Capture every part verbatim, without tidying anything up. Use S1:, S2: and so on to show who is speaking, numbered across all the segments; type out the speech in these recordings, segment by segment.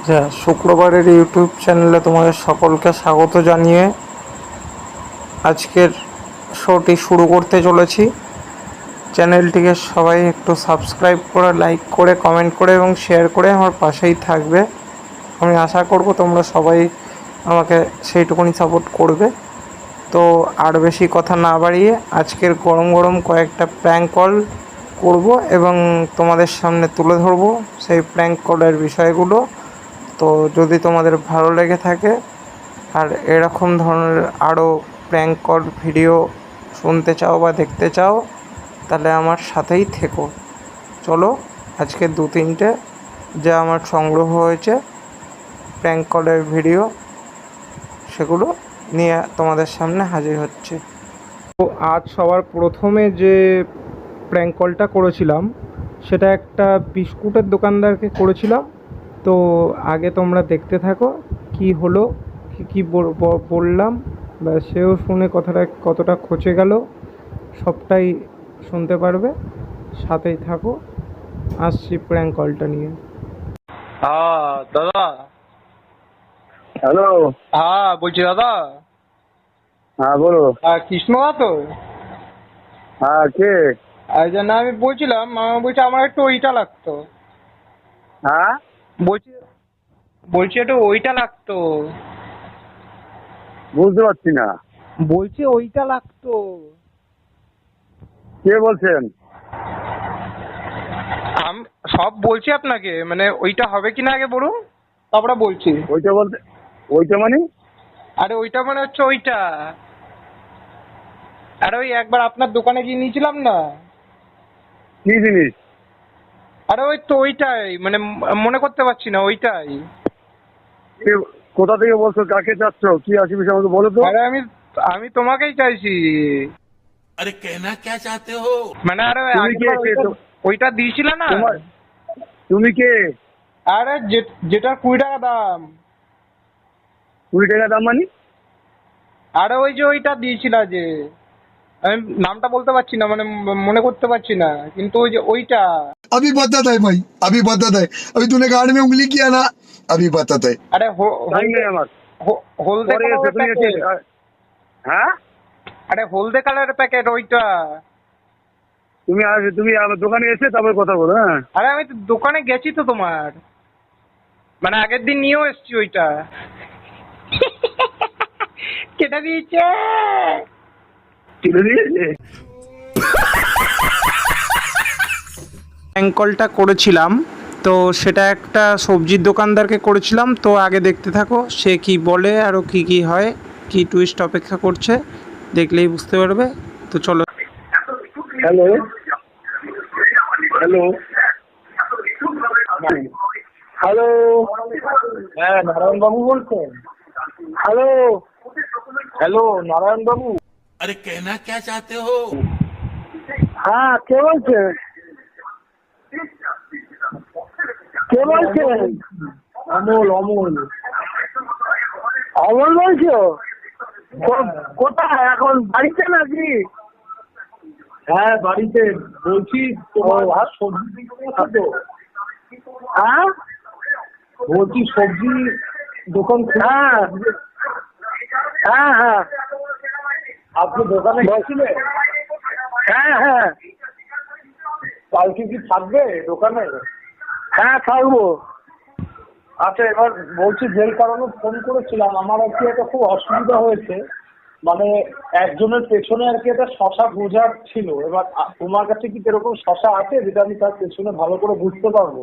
S1: আচ্ছা, শুক্রবারের ইউটিউব চ্যানেলে তোমাদের সকলকে স্বাগত জানিয়ে আজকের শোটি শুরু করতে চলেছি। চ্যানেলটিকে সবাই একটু সাবস্ক্রাইব করে, লাইক করে, কমেন্ট করে এবং শেয়ার করে আমার পাশেই থাকবে। আমি আশা করব তোমরা সবাই আমাকে সেইটুকুনি সাপোর্ট করবে। তো আর বেশি কথা না বাড়িয়ে আজকের গরম গরম কয়েকটা প্র্যাঙ্ক কল করব এবং তোমাদের সামনে তুলে ধরবো সেই প্র্যাঙ্ক কলের বিষয়গুলো। তো যদি তোমাদের ভালো লেগে থাকে আর এরকম ধরনের আরও প্র্যাঙ্ক কল ভিডিও শুনতে চাও বা দেখতে চাও, তাহলে আমার সাথেই থেকো। চলো, আজকে দু তিনটে যা আমার সংগ্রহ হয়েছে প্র্যাঙ্ক কলের ভিডিও, সেগুলো নিয়ে তোমাদের সামনে হাজির হচ্ছে। তো আজ সবার প্রথমে যে প্র্যাঙ্ক কলটা করেছিলাম সেটা একটা বিস্কুটের দোকানদারকে করেছিলাম। তো আগে তোমরা দেখতে থাকো কি হলো, কী কী বললাম, বা সেও শুনে কথাটা কতটা খচে গেল সবটাই শুনতে পারবে। সাথেই থাকো, আসছি প্র্যাঙ্ক কলটা নিয়ে।
S2: হ্যাঁ দাদা।
S3: হ্যালো।
S2: হ্যাঁ বলছি দাদা।
S3: হ্যাঁ বলো।
S2: হ্যাঁ কৃষ্ণদা তো?
S3: হ্যাঁ কে?
S2: এই জন্য আমি বলছিলাম, আমি বলছি আমার একটু ওইটা লাগতো।
S3: হ্যাঁ
S2: বলছি বলছি একটু ওইটা লাগতো।
S3: বুঝতে পারছি না।
S2: বলছি ওইটা লাগতো।
S3: কে বলছেন?
S2: আমি সব বলছি আপনাকে, মানে ওইটা হবে কিনা আগে বলুন, তারপরে বলছি।
S3: ওইটা বলতে ওইটা মানে?
S2: আরে ওইটা মানে হচ্ছে ওইটা, আরে ওই একবার আপনার দোকানে গিয়ে নিয়েছিলাম না।
S3: কি জিনিস?
S2: আরে ওই তো ওইটাই, মানে মনে করতে পারছি না, ওইটাই।
S3: কে- কোথা থেকে বলছো, কাকে চাচ্ছ, কি আছে বিষয় আমাকে বলো তো।
S2: আরে আমি আমি তোমাকেই চাইছি।
S4: अरे कहना क्या चाहते हो?
S2: মানে আরে
S3: তুমি কে?
S2: আগেরবার
S3: কে
S2: ওইটা
S3: তো-
S2: ওইটা দিয়েছিলে না।
S3: তোমার তুমি কে?
S2: আরে যে- যেটা কুড়ি টাকা দাম।
S3: কুড়ি টাকা দাম মানে?
S2: আরে ওই যে ওইটা দিয়েছিল যে, আমি নামটা বলতে পারছি না, মানে ম- মনে করতে পারছি না, কিন্তু ওই যে ওইটা।
S5: अभी बताता है भाई, अभी बताता है। अभी तूने गाड़ में उंगली किया ना, अभी बताता है।
S2: আরে হ-
S3: টাইম নেই
S2: হলদে
S3: আমার।
S2: হ- হলদে
S3: পরে এসে
S2: কালারের
S3: তুমি এসে
S2: প্যাকেট।
S3: আ- হ্যাঁ
S2: আরে হলদে কালারের প্যাকেট ওইটা।
S3: তুমি আস- তুমি আমার দোকানে এসে তারপর কথা বলো। হ্যাঁ
S2: আরে আমি তো দোকানে গেছি তো তোমার, মানে আগের দিন নিয়েও এসছি ওইটা। কেটে দিয়েছে।
S3: তুলে দিয়েছে।
S1: প্র্যাঙ্ক কলটা করেছিলাম, তো সেটা একটা সবজির দোকানদারকে করেছিলাম। তো আগে দেখতে থাকো সে কি বলে, আরও কি কি হয়, কি টুইস্ট অপেক্ষা করছে, দেখলেই বুঝতে পারবে। তো চলো।
S3: Hello hello hello. হ্যাঁ নারায়ণ বাবু বলছেন? হ্যালো হ্যালো নারায়ণ বাবু।
S4: अरे कहना क्या चाहते हो?
S3: হ্যাঁ কে বলছেন? কে বলছেন? অমল অমল অমল বলছো? কো- কোথায় এখন, বাড়িতে নাকি? হ্যাঁ বাড়িতে। বলছি তোমার সবজি বিক্রি আছে তো? হ্যাঁ বলছি সবজি দোকান। হ্যাঁ হ্যাঁ হ্যাঁ আপনি দোকানে গেছিলেন? হ্যাঁ হ্যাঁ। কালকে কি থাকবে দোকানে? হ্যাঁ থাকবো। আচ্ছা এবার বলছি যেই কারণে ফোন করেছিলাম, আমার আর কি একটা খুব অসুবিধা হয়েছে, মানে একজনের পেছনে আর কি একটা শশা বোঝার ছিল। এবার আ- তোমার কাছে কি এরকম শশা আছে যেটা আমি তার পেছনে ভালো করে বুঝতে পারবো?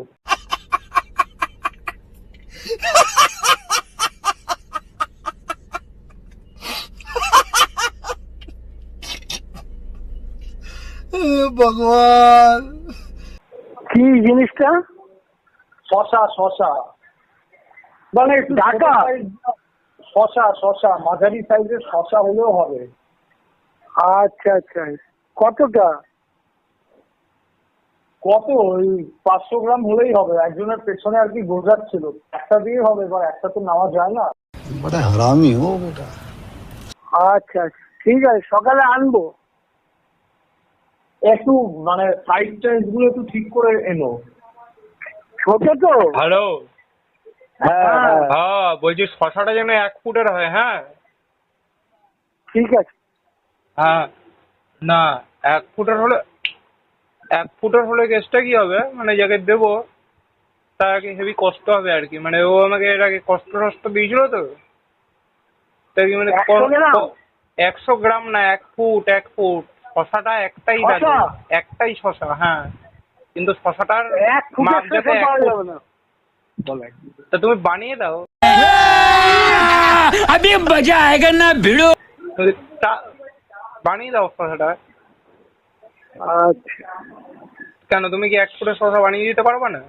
S5: भगवान।
S3: কি জিনিসটা? শশা শশা মানে একটু ঢাকা শশা শশা মাঝারি সাইজের শশা হলেও হবে। আচ্ছা আচ্ছা কতটা? কত ওই পাঁচশো গ্রাম হলেই হবে। একজনের পেছনে আর কি বোঝাচ্ছিল, একটা দিয়ে হবে, এবার একটা তো নেওয়া যায় না।
S5: बड़ा हरामी हो बेटा।
S3: আচ্ছা আচ্ছা ঠিক আছে, সকালে আনবো। একটু মানে সাইজ টাইজ গুলো একটু ঠিক করে এনো। ছোট তো?
S2: হ্যালো।
S3: হ্যাঁ হ্যাঁ
S2: হ্যাঁ বলছি শশাটা যেন এক ফুটের হয়। হ্যাঁ
S3: ঠিক আছে।
S2: হ্যাঁ না এক ফুটের হলে এক ফুটের হলে কেসটা কি হবে, মানে যাকে দেবো তাকে হেভি কষ্ট হবে আর কি, মানে ও আমাকে এর আগে কষ্ট টষ্ট দিয়েছিল তো তাই কি মানে
S3: একশো গ্রাম?
S2: একশো গ্রাম না, এক ফুট এক ফুট শশাটা একটাই
S3: শসা?
S2: দাদু, একটাই শশা। হ্যাঁ কিন্তু শশাটার
S3: এক ফুটের
S2: মাপ যাতে
S3: শসা
S2: এক
S3: পাওয়া
S2: ফুট।
S3: যাবে না। বলে
S2: তা তুমি বানিয়ে দাও।
S6: अभी मजा आएगा ना भिड़ो।
S2: তুমি তা- বানিয়ে দাও শশাটা।
S3: আচ্ছা
S2: কেন তুমি কি এক ফুটের শশা বানিয়ে দিতে পারবে না?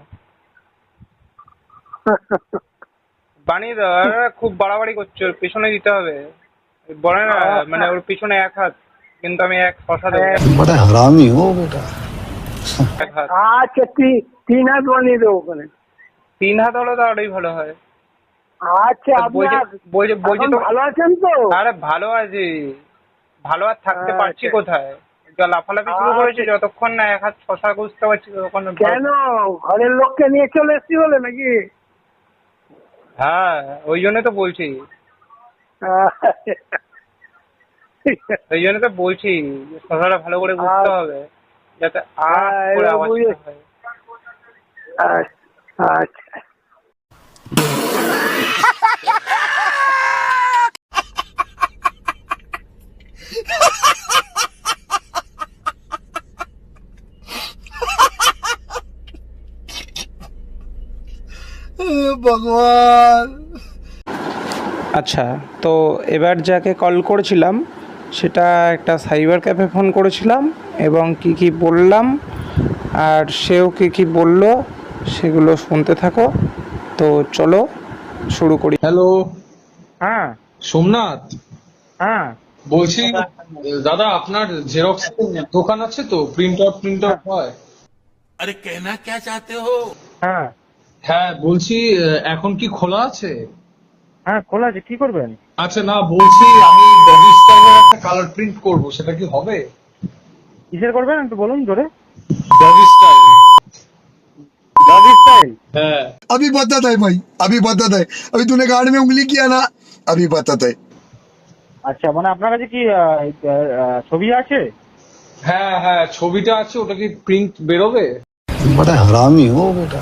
S2: বানিয়ে দাও। আরে খুব বাড়াবাড়ি করছো, ওর পিছনে দিতে হবে। বলে না মানে ওর পিছনে এক হাত, কিন্তু আমি এক শশা দেবো।
S5: बड़ा हरामी हो बेटा।
S2: এক হাত
S3: আচ্ছা তি- তিন হাত বানিয়ে দেবো ওখানে।
S2: তিন হাত হলে তো আরোই ভালো হয়।
S3: আচ্ছা
S2: বলছে
S3: আপনার
S2: বলছে বলছে
S3: এখন
S2: তো
S3: ভালো আছেন তো?
S2: আরে ভালো আছে, ভালো আর থাকতে
S3: আচ্ছা।
S2: পারছি কোথায়? যা লাফালাফি শুরু করেছে, যতক্ষণ না এক হাত শশা খুঁজতে পারছি ততক্ষণ ভালো।
S3: কেন ঘরের লোককে নিয়ে চলে এসছি বলে নাকি?
S2: হ্যাঁ ওই জন্য তো বলছি, ওই জন্য তো বলছি যে শশাটা ভালো করে বুঝতে
S3: আচ্ছা।
S2: হবে যাতে
S3: হ্যাঁ,
S2: আর করে
S3: এবার
S2: আওয়াজটা
S3: বুঝে-
S2: হয়।
S3: আচ্ছা আচ্ছা।
S5: भगवान।
S1: আচ্ছা, তো এবার যাকে কল করেছিলাম সেটা একটা সাইবার ক্যাফে ফোন করেছিলাম এবং কি কি বললাম আর সেও কি কি বলল সেগুলো শুনতে থাকো। তো চলো শুরু করি।
S7: হ্যালো
S2: হ্যাঁ
S7: সোমনাথ,
S2: হ্যাঁ
S7: বলছি দাদা আপনার জেরক্স দোকান আছে তো, প্রিন্ট আউট প্রিন্ট আউট হয়?
S4: अरे कहना क्या चाहते हो?
S2: হ্যাঁ
S7: হ্যাঁ বলছি আহ, এখন কি খোলা আছে?
S2: হ্যাঁ খোলা আছে, কি করবেন?
S7: আচ্ছা না বলছি আমি বডি স্টাইলের একটা কালার প্রিন্ট করব, সেটা কি হবে?
S2: কিসের করবেন একটু বলুন জোরে।
S7: Body style.
S2: Body style?
S7: হ্যাঁ
S5: अभी बताता है भाई, अभी बताता है। अभी तूने गाड़ में उंगली किया ना, अभी बताता है।
S2: আচ্ছা মানে আপনার কাছে কি ছবি আছে?
S7: হ্যাঁ হ্যাঁ ছবিটা আছে, ওটা কি প্রিন্ট বেরোবে?
S5: बड़ा हरामी हो बेटा।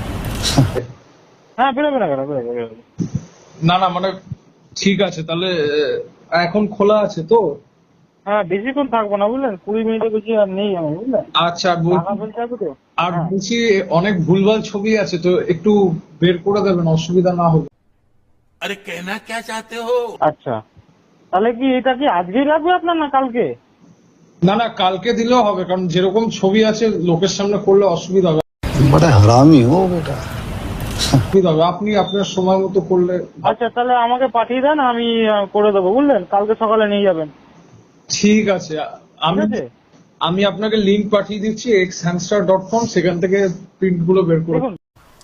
S2: হ্যাঁ বেরোবে না কেন, বেরোবে বেরোবে।
S7: না না মানে ঠিক আছে তাহলে আহ, এখন খোলা আছে তো?
S2: হ্যাঁ বেশিক্ষণ থাকবো না বুঝলেন, কুড়ি মিনিটের বেশি আর নেই আমি বুঝলেন।
S7: আচ্ছা আর বলছি-
S2: টাকা পয়সা আছে তো?
S7: আর
S2: হ্যাঁ।
S7: বলছি অনেক ভুলভাল ছবি আছে তো, একটু বের করে দেবেন অসুবিধা না হবে।
S4: अरे कहना क्या चाहते हो?
S2: আচ্ছা তাহলে কি এটা কি আজকেই লাগবে আপনার না কালকে?
S7: না না কালকে দিলেও হবে, কারণ যেরকম ছবি আছে লোকের সামনে করলে অসুবিধা হবে।
S5: बड़ा हरामी हो बेटा।
S7: অসুবিধা হবে, আপনি আপনার সময় মতো করলে।
S2: আচ্ছা তাহলে আমাকে পাঠিয়ে দেন, আমি আহ, করে দেবো বুঝলেন, কালকে সকালে নিয়ে যাবেন।
S7: ঠিক আছে আমি
S2: ঠিক আছে?
S7: আমি আপনাকে লিংক পাঠিয়ে দিচ্ছি এক্স হ্যামস্টার ডট কম, সেখান থেকে প্রিন্ট গুলো বের করে।
S2: দেখুন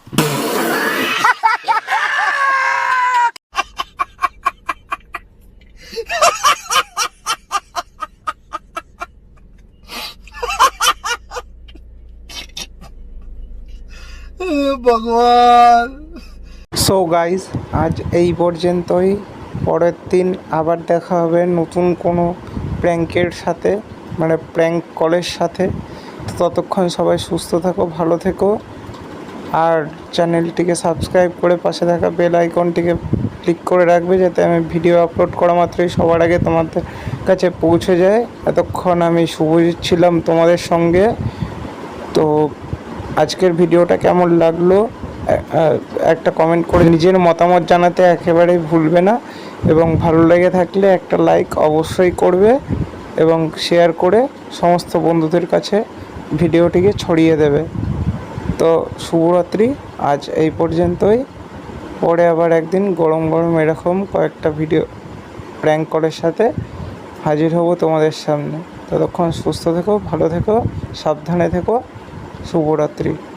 S5: भगवान।
S1: সো গাইজ আজ এই পর্যন্তই। পরের দিন আবার দেখা হবে নতুন কোনো প্র্যাঙ্কের সাথে, মানে প্র্যাঙ্ক কলের সাথে। তো ততক্ষণ সবাই সুস্থ থাকো, ভালো থেকো, আর চ্যানেলটিকে সাবস্ক্রাইব করে পাশে থাকা বেল আইকনটিকে ক্লিক করে রাখবে যাতে আমি ভিডিও আপলোড করা মাত্রই সবার আগে তোমাদের কাছে পৌঁছে যায়। এতক্ষণ আমি শুভজিৎ ছিলাম তোমাদের সঙ্গে। তো আজকের ভিডিওটা কেমন লাগলো এ- আ- একটা কমেন্ট করে নিজের মতামত জানাতে একেবারেই ভুলবে না, এবং ভালো লেগে থাকলে একটা লাইক অবশ্যই করবে এবং শেয়ার করে সমস্ত বন্ধুদের কাছে ভিডিওটিকে ছড়িয়ে দেবে। তো শুভরাত্রি, আজ এই পর্যন্তই। পরে আবার একদিন গরম গরম এরকম কয়েকটা ভিডিও প্র্যাঙ্ক কলের সাথে হাজির হব তোমাদের সামনে। ততক্ষণ সুস্থ থেকো, ভালো থেকো, সাবধানে থেকো। শুভরাত্রি।